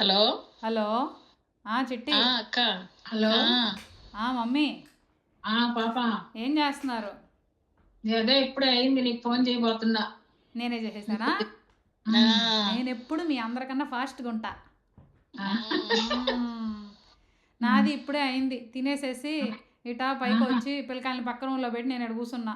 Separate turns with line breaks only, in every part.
Hello.
Hello. చిట్టి.
అక్క.
Hello.
Mummy
పాప
ఏం చేస్తున్నారు?
అదే ఇప్పుడే అయింది, నీకు ఫోన్ చేయబోతున్నా.
నేనే చేసేసానా? నేను ఎప్పుడు మీ అందరికన్నా ఫాస్ట్గా ఉంటా. నాది ఇప్పుడే అయింది, తినేసేసి ఇటా పైకి వచ్చి పిల్లకాయలని పక్క రూమ్లో పెట్టి నేను ఇక్కడ కూర్చున్నా.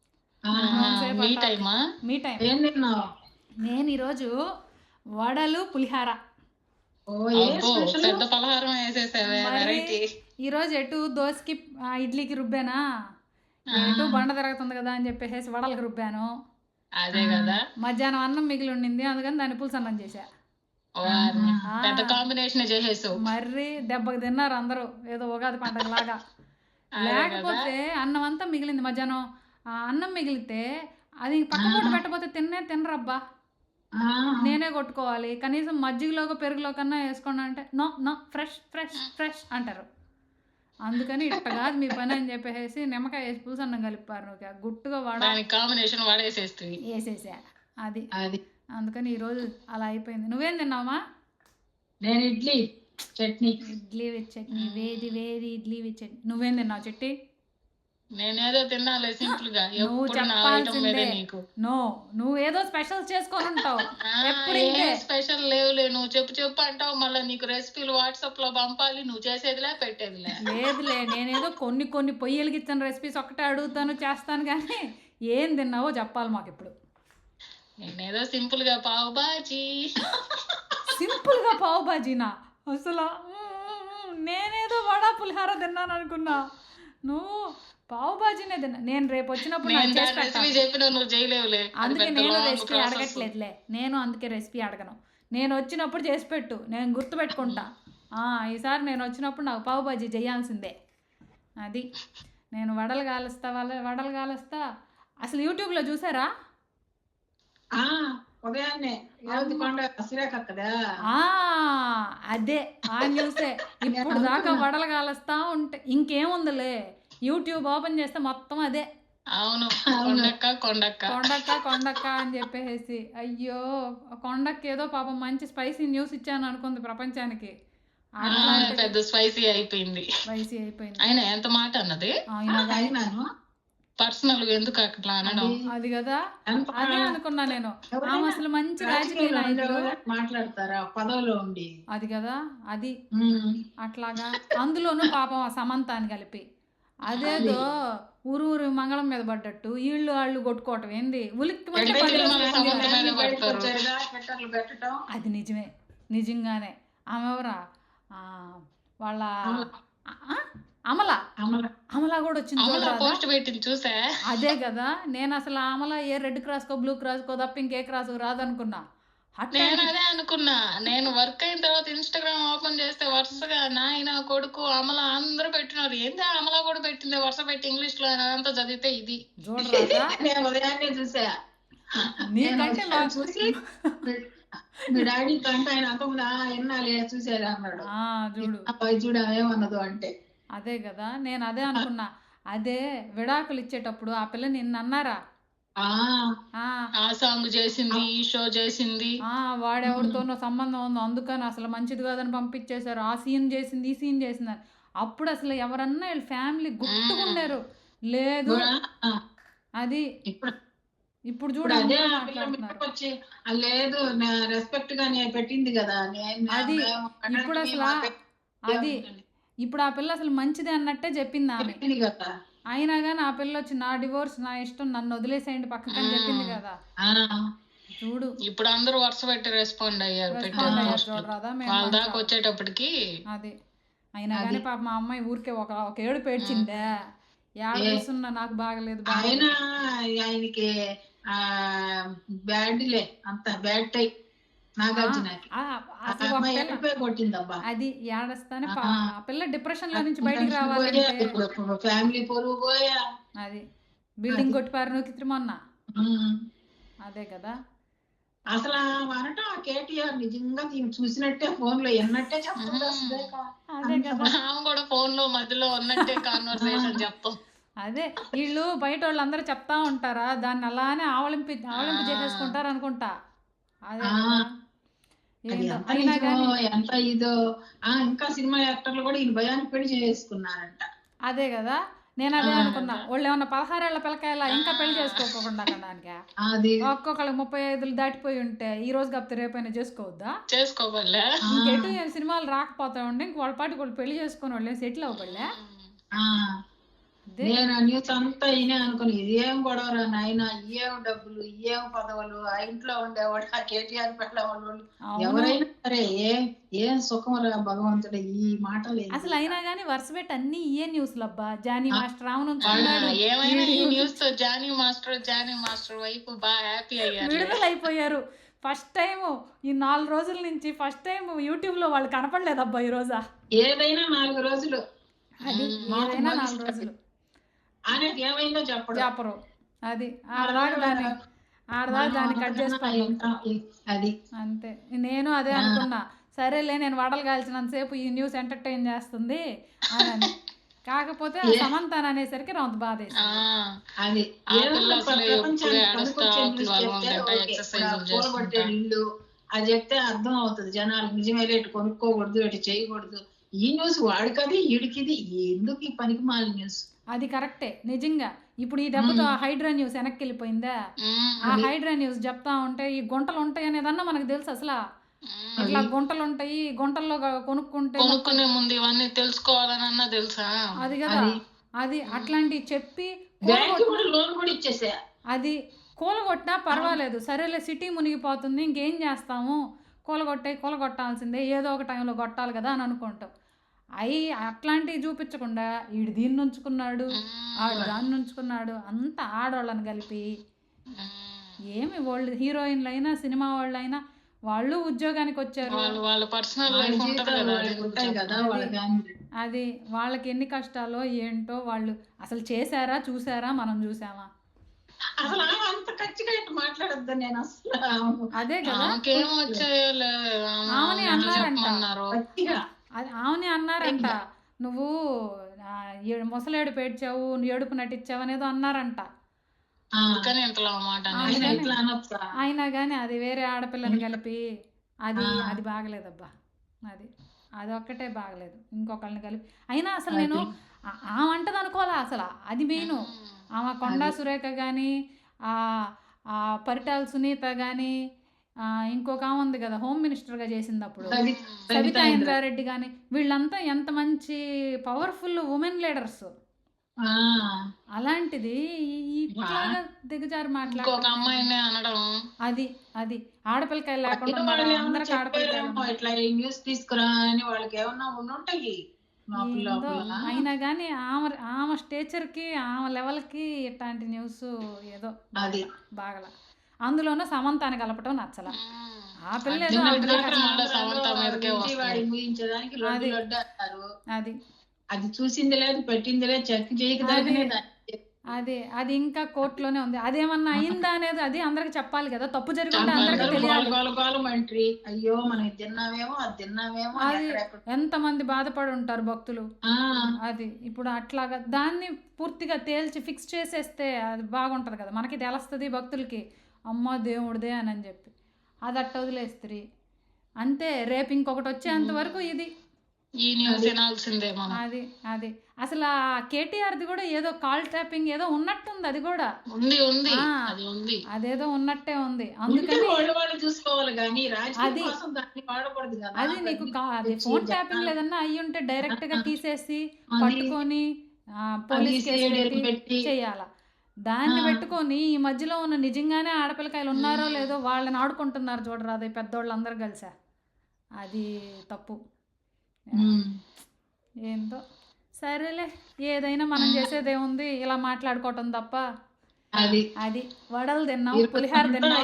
మీ టైం.
ఏం తిన్నావు?
నేను ఈరోజు వడలు పులిహార.
పెద్ద పలహారం వేసేసావే. వెరైటీ.
ఈరోజు ఎటు దోశకి ఇడ్లీకి రుబ్బానా, ఎటు బండ తిరుగుతుంది కదా అని చెప్పేసి వడలకు రుబ్బాను.
అదే కదా.
మధ్యాహ్నం అన్నం మిగిలి ఉండింది, అందుకని దాన్ని పులుసు అన్నం చేశా.
పెద్ద కాంబినేషన్ చేసేసావు.
మర్రి దెబ్బకి తిన్నారు అందరూ, ఏదో ఉగాది పండగ లాగా. లేకపోతే అన్నం అంతా మిగిలింది మధ్యాహ్నం. అన్నం మిగిలితే అది పక్క పూట పెట్టబోతే తినరబ్బా. నేనే కొట్టుకోవాలి. కనీసం మజ్జిగలోకి పెరుగులో కన్నా వేసుకోండి అంటే no no fresh fresh fresh అంటారు. అందుకని ఇట్ట కాదు మీ పని అని చెప్పేసి నిమ్మకాయ వేసి పులుసు అన్నం కలిపారు. గుట్టుగా వేసేసా. అది అందుకని ఈరోజు అలా అయిపోయింది. నువ్వేం తిన్నావమ్మా?
నేను ఇడ్లీ చట్నీ.
ఇడ్లీ విత్ చట్నీ. వేది వేది ఇడ్లీ విత్ చట్నీ. నువ్వేం తిన్నావు చిట్టి?
నేనేదో తినాలి సింపుల్ గా.
నువ్వు చెప్పాల్సిందే. నువ్వు ఏదో స్పెషల్ చేసుకొని ఉంటావు.
స్పెషల్ లేవులే. నువ్వు చెప్పు అంటావు, మళ్ళీ నీకు రెసిపీలు వాట్సాప్ లో పంపాలి. నువ్వు చేసేదిలే పెట్టేదిలే.
లేదులే, నేనేదో కొన్ని పొయ్యి వెలిగించిన రెసిపీస్ ఒక్కటే అడుగుతాను, చేస్తాను. కానీ ఏం తిన్నావో చెప్పాలి మాకు ఇప్పుడు.
నేనేదో సింపుల్ గా పావు బాజీ.
సింపుల్ గా పావు బాజీనా? అసలు నేనేదో వడా పులిహార తిన్నాను అనుకున్నా. నువ్వు పావు బాజీనే తిన్నా. నేను రేపు వచ్చినప్పుడు అందుకే నేను రెసిపీ అడగట్లేదులే. అందుకే రెసిపీ అడగను. నేను వచ్చినప్పుడు చేసి పెట్టు, నేను గుర్తుపెట్టుకుంటా. ఈసారి నేను వచ్చినప్పుడు నాకు పావు బాజీ చేయాల్సిందే. అది నేను వడలు కాలుస్తా. అసలు యూట్యూబ్లో చూసారా? అదే ఆ న్యూసే. ఇప్పుడు దాకా వడలు కాలుస్తా ఉంటే ఇంకేముందిలే, యూట్యూబ్ ఓపెన్ చేస్తే మొత్తం అదే.
అవును,
కొండక్క అని చెప్పేసి. అయ్యో, కొండక్క ఏదో పాపం మంచి స్పైసీ న్యూస్ ఇచ్చాను అనుకుంది ప్రపంచానికి.
పెద్ద స్పైసీ అయిపోయింది. ఆయన ఎంత మాట అన్నది. పర్సనల్ ఎందుకు అట్లా అనడం?
అది కదా, అదే అనుకున్నా నేను. అసలు మంచి రాజకీయ నాయకులు
మాట్లాడతారా పదవిలో ఉండి?
అది కదా, అది అట్లాగా. అందులోనూ పాపం సమంత అని కలిపి అదేదో ఊరు మంగళం మీద పడ్డట్టు వాళ్ళు కొట్టుకోవటం ఏంది? అది నిజమే, నిజంగానే. ఆమె ఎవరా వాళ్ళ అమలా కూడా వచ్చింది
చూసా.
అదే కదా, నేను అసలు అమల ఏ రెడ్ క్రాస్ కో బ్లూ క్రాస్ కో తప్ప ఇంకే క్రాస్ రాదనుకున్నా.
నేను అదే అనుకున్నా. నేను వర్క్ అయిన తర్వాత ఇన్స్టాగ్రామ్ ఓపెన్ చేస్తే వరుసగా నాయన కొడుకు అమల అందరూ పెట్టినారు. ఏంది అమల కూడా పెట్టింది వరుస పెట్టి ఇంగ్లీష్ లో అంతా చదివితే ఇది
చూసా. చూసి మీ డాడీ కంటే ఆయన అంతకుముందు ఎన్నాలే చూసేదా అన్నాడు. చూడు ఏమన్నదు అంటే.
అదే కదా, నేను అదే అనుకున్నా. అదే విడాకులు ఇచ్చేటప్పుడు ఆ పిల్ల నిన్ను అన్నారా,
ఆ సాంగ్ చేసింది, ఈ షో చేసింది,
వాడెవరితోనో సంబంధం ఉందో అందుకని అసలు మంచిది కాదని పంపించేశారు, ఆ సీన్ చేసింది, ఈ సీన్ చేసింది. అప్పుడు అసలు ఎవరన్నా వీళ్ళ ఫ్యామిలీ గుర్తుకున్నారు లేదు. అది ఇప్పుడు చూడ
లేదు, రెస్పెక్ట్ గా పెట్టింది కదా.
అది ఇప్పుడు అసలు అది ఇప్పుడు ఆ పిల్ల అసలు మంచిది అన్నట్టే చెప్పింది ఆమె. అయినా కానీ ఆ పిల్ల వచ్చి నా డివోర్స్ నా ఇష్టం, నన్ను వదిలేసేయండి పక్కకని చెప్పింది కదా. చూడు
ఇప్పుడు అందరూ వరుస పెట్టి రెస్పాండ్ అయ్యారు. వాళ్ళ దాకా వచ్చేటప్పటికి
అది. అయినా కానీ పాప మా అమ్మాయి ఊరికే ఒక ఏడు పేడ్చిందే. ఏడుస్తున్నా నాకు బాగలేదు.
ఆయనకి బ్యాడ్లే, అంత బ్యాడ్ టైప్.
అది ఏడస్తానే ఆ పిల్ల డిప్రెషన్ లో నుంచి బయటికి రావాలంటే
ఫ్యామిలీ పొరుగు పోయా.
అది బిల్డింగ్ కొట్టిపారు నూకి మొన్న. అదే కదా,
అసలు అనటం కేటీఆర్ నిజంగా చూసినట్టే ఫోన్ లో ఎన్నట్టే చెప్తుంది.
అదే కదా,
కూడా ఫోన్ లో మధ్యలో ఉన్నట్టే కాన్వర్సేషన్ చెప్తాం.
అదే వీళ్ళు బయట వాళ్ళు అందరూ చెప్తా ఉంటారా, దాన్ని అలానే ఆవలింపు చేసేసుకుంటారు అనుకుంటా. అదే
అది
ఏంటో
ఎంత
అయినా
నిజమో
కానీ
ఎంత ఇదో. ఇంకా సినిమా యాక్టర్లు కూడా ఈయన భయానికి పెళ్లి చేసుకున్నారంట.
అదే కదా, నేను అదే అనుకున్నా.
అదే.
వాళ్ళు ఏమన్నా 16 ఏళ్ల పిల్లకాయల ఇంకా పెళ్లి చేసుకోకుండా కన్నానిక
అది
ఒక్కొక్కళ్ళకి 35 దాటిపోయి ఉంటే ఈ రోజు కాకపోతే రేపైనా చేసుకోవద్దా?
చేసుకోవాలే.
ఇంకెటు సినిమాలు రాకపోతా ఉండే ఇంక వాళ్ళ పాటికి వాళ్ళు పెళ్లి చేసుకుని వాళ్ళు సెటిల్ అవ్వబడలే.
ఆ
అదే
నేను ఆ న్యూస్ అంతా ఈయనే అనుకుని ఇదేం గొడవరా నాయన, ఇయేం డబ్బులు, ఇయేం పదవులు, ఆ ఇంట్లో ఉండేవాడు ఆ కేటీఆర్ పెట్టే వాళ్ళు
అవును.
ఎవరైనా సరే ఏం సుఖమరా భగవంతుడు ఈ మాటలు ఏంది?
అసలు అయినా కానీ వరుస పెట్టి అన్ని ఇయే న్యూస్లు అబ్బా. జానీ మాస్టర్ ఆమెను
ఆ,
ఉంచుకున్నాడు,
ఏమైనా ఈ న్యూస్ తో జానీ మాస్టర్ వైపు బాగా హ్యాపీ అయ్యారు.
విడుదల అయిపోయారు. ఫస్ట్ టైం ఈ 4 రోజుల నుంచి ఫస్ట్ టైం యూట్యూబ్ లో వాళ్ళు కనపడలేదబ్బా ఈ రోజా.
ఏదైనా 4 రోజులు
అది ఏదైనా 4 రోజులు
ఆయనకి ఏమైందో
చెప్పరు. అది ఆడదాకా దాన్ని కట్ చేసుకున్నాం.
అది
అంతే. నేను అదే అనుకున్నా, సరేలే నేను వడలు కాల్చినంతసేపు ఈ న్యూస్ ఎంటర్టైన్ చేస్తుంది అని. కాకపోతే సమంతాన్ అనేసరికి రౌంత బాధ
అది కూలగొట్టే ఇల్లు అది చెప్తే అర్థం అవుతుంది జనాలు. నిజమే రేటు కొనుక్కోకూడదు, ఇటు చేయకూడదు. ఈ న్యూస్ వాడికది ఈడికిది ఎందుకు ఈ పనికి మాలిన న్యూస్?
అది కరెక్టే నిజంగా. ఇప్పుడు ఈ దెబ్బతో ఆ హైడ్రా న్యూస్ వెనక్కి వెళ్ళిపోయిందా? ఆ హైడ్రా న్యూస్ చెప్తా ఉంటే ఈ గుంటలు ఉంటాయి అనేదన్నా మనకు తెలుసు. అసలు ఇట్లా గుంటలు ఉంటాయి, గుంటల్లో కొనుక్కునే
ముందు ఇవన్నీ తెలుసుకోవాలనన్నా తెలుసా?
అది కదా. అది అట్లాంటివి చెప్పి
లోన్ కూడా ఇచ్చేసా.
అది కూలగొట్టినా పర్వాలేదు, సరేలే సిటీ మునిగిపోతుంది ఇంకేం చేస్తాము, కూలగొట్టాల్సిందే, ఏదో ఒక టైంలో కొట్టాలి కదా అని అనుకుంటాం. అట్లాంటివి చూపించకుండా ఈడు దీన్ని ఉంచుకున్నాడు, ఆడు దాన్ని ఉంచుకున్నాడు, అంతా ఆడవాళ్ళని కలిపి. ఏమి వాళ్ళు హీరోయిన్లు అయినా సినిమా వాళ్ళు అయినా వాళ్ళు ఉద్యోగానికి వచ్చారు, అది వాళ్ళకి ఎన్ని కష్టాలో ఏంటో. వాళ్ళు అసలు చేశారా చూసారా మనం చూసామా?
అసలు అంత ఖచ్చితంగా మాట్లాడొద్దు నేను అసలు.
అదే కదా, ఆమెని అన్నారంట నువ్వు ముసలేడు పేడ్చావు, ఏడుపు నటించావు అనేదో అన్నారంట. అయినా కానీ అది వేరే ఆడపిల్లని కలిపి అది బాగలేదబ్బా. అది ఒక్కటే బాగలేదు, ఇంకొకళ్ళని కలిపి. అయినా అసలు నేను ఆమె అంటది అనుకోవాలా అసలు. అది మెయిన్. ఆమె కొండా సురేఖ కానీ, పరిటాల సునీత కానీ, ఇంకొక ఆమె ఉంది కదా హోమ్ మినిస్టర్గా చేసింది అప్పుడు, సబితా ఇంద్రారెడ్డి కానీ, వీళ్ళంతా ఎంత మంచి పవర్ఫుల్ ఉమెన్ లీడర్స్. అలాంటిది ఇట్లాగా దిగజారు మాట్లాడు. అది ఆడపిల్లకాయలు లేకుండా అందరికి ఆడపిల్లకాయలు
ఇట్లా న్యూస్ తీసుకురా అని వాళ్ళకి ఏమన్నా ఉంటాయి.
అయినా కానీ ఆమె స్టేచర్కి ఆమె లెవెల్కి ఇట్లాంటి న్యూస్ ఏదో బాగలా. అందులోనూ సమంతాన్ని కలపటం నచ్చల. ఆ పిల్ల
అది చూసింది లేదు, పెట్టింది లేదు, చెక్ చేయకనే.
అది ఇంకా కోర్టులోనే ఉంది. అదేమన్నా అయిందా అనేది అది అందరికి చెప్పాలి కదా. తప్పు జరిగింది అందరికి తెలియాలి.
అయ్యో మనం తిన్నామేమో అది తిన్నామేమో.
అది ఎంతమంది బాధపడి ఉంటారు భక్తులు. అది ఇప్పుడు అట్లాగా దాన్ని పూర్తిగా తేల్చి ఫిక్స్ చేసేస్తే అది బాగుంటది కదా, మనకి తెలుస్తుంది భక్తులకి, అమ్మ దేవుడిదే అని చెప్పి. అది అట్ట వదిలేస్త్రీ అంతే. రేపు ఇంకొకటి వచ్చేంత వరకు ఇది అది అసలు ఆ కేటీఆర్ది కూడా ఏదో కాల్ ట్యాపింగ్ ఏదో ఉన్నట్టుంది. అది కూడా అదేదో ఉన్నట్టే ఉంది. అందుకని అది నీకు అది ఫోన్ ట్యాపింగ్ లేదన్నా అయ్యి ఉంటే డైరెక్ట్ గా తీసేసి పట్టుకొని పోలీస్ కేసు పెట్టి చేయాల. దాన్ని పెట్టుకొని ఈ మధ్యలో ఉన్న నిజంగానే ఆడపిల్లకాయలు ఉన్నారో లేదో వాళ్ళని ఆడుకుంటున్నారు చూడరా, అది పెద్దోళ్ళందరూ కలిసా. అది తప్పు. ఏందో సరేలే, ఏదైనా మనం చేసేదేముంది, ఇలా మాట్లాడుకోవటం తప్ప. అది వడలు తిన్నాం, పులిహార తిన్నాం.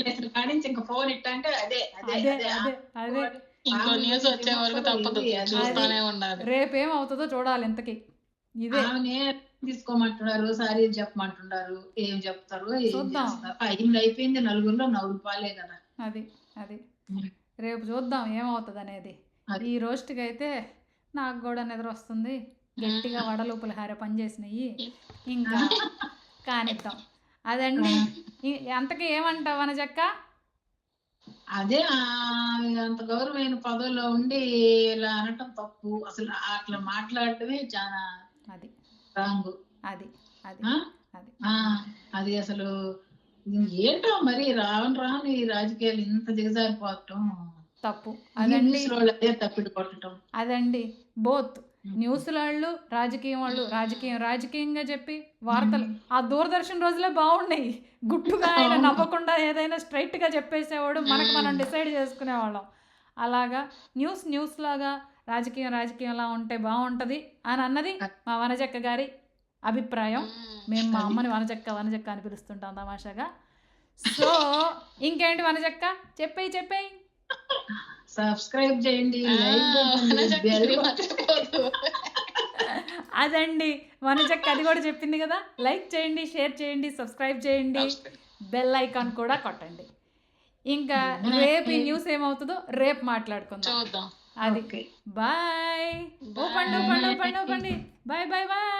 రేపేమవుతుందో చూడాలి. ఇంతకి ఇదే
తీసుకోమంటున్నారు, సారీ చెప్పమంటున్నారు, ఏం చెప్తారు చూద్దాం. అయిపోయింది నలుగురిలో నవ్వులు పాలే కదా.
అది రేపు చూద్దాం ఏమవుతుంది అనేది. ఈ రోజుకి అయితే నాకు కూడా నిద్ర వస్తుంది. గట్టిగా వడలు పులిహార పనిచేసినాయి, ఇంకా కానిద్దాం. అదండి. అంతకీ ఏమంటావు అనజక్క?
అదే అంత గౌరవమైన పదవిలో ఉండి ఇలా అనటం తప్పు. అసలు అట్లా మాట్లాడటమే చాలా
అది
రాంగ్.
అది అది అది
అది అసలు ఏంటో మరి రాను రాను ఈ రాజకీయాలు ఇంత దిగజారిపోవటం,
తప్పు అదండి.
న్యూస్ వాళ్ళు అదే తప్పిడి కొట్టడం.
అదండి బోత్ న్యూస్ వాళ్ళు రాజకీయం వాళ్ళు రాజకీయంగా చెప్పి వార్తలు ఆ దూరదర్శన్ రోజులే బాగున్నాయి. గుట్టుగా ఆయన నవ్వకుండా ఏదైనా స్ట్రైట్గా చెప్పేసేవాడు, మనకు మనం డిసైడ్ చేసుకునేవాళ్ళం. అలాగా న్యూస్ లాగా రాజకీయంలా ఉంటే బాగుంటుంది అని అన్నది మా వనజక్క గారి అభిప్రాయం. మేము మా అమ్మని వనజక్క అని పిలుస్తుంటాం తమాషాగా. సో ఇంకేంటి వనజక్క, చెప్పేయి.
సబ్స్క్రైబ్ చేయండి,
అదండి వనజక్క అది కూడా చెప్పింది కదా, లైక్ చేయండి, షేర్ చేయండి, సబ్స్క్రైబ్ చేయండి, బెల్ ఐకాన్ కూడా కొట్టండి. ఇంకా రేపు ఈ న్యూస్ ఏమవుతుందో రేపు మాట్లాడుకుందాం.
చూద్దాం.
అది బాయ్. ఓ పండు బాయ్.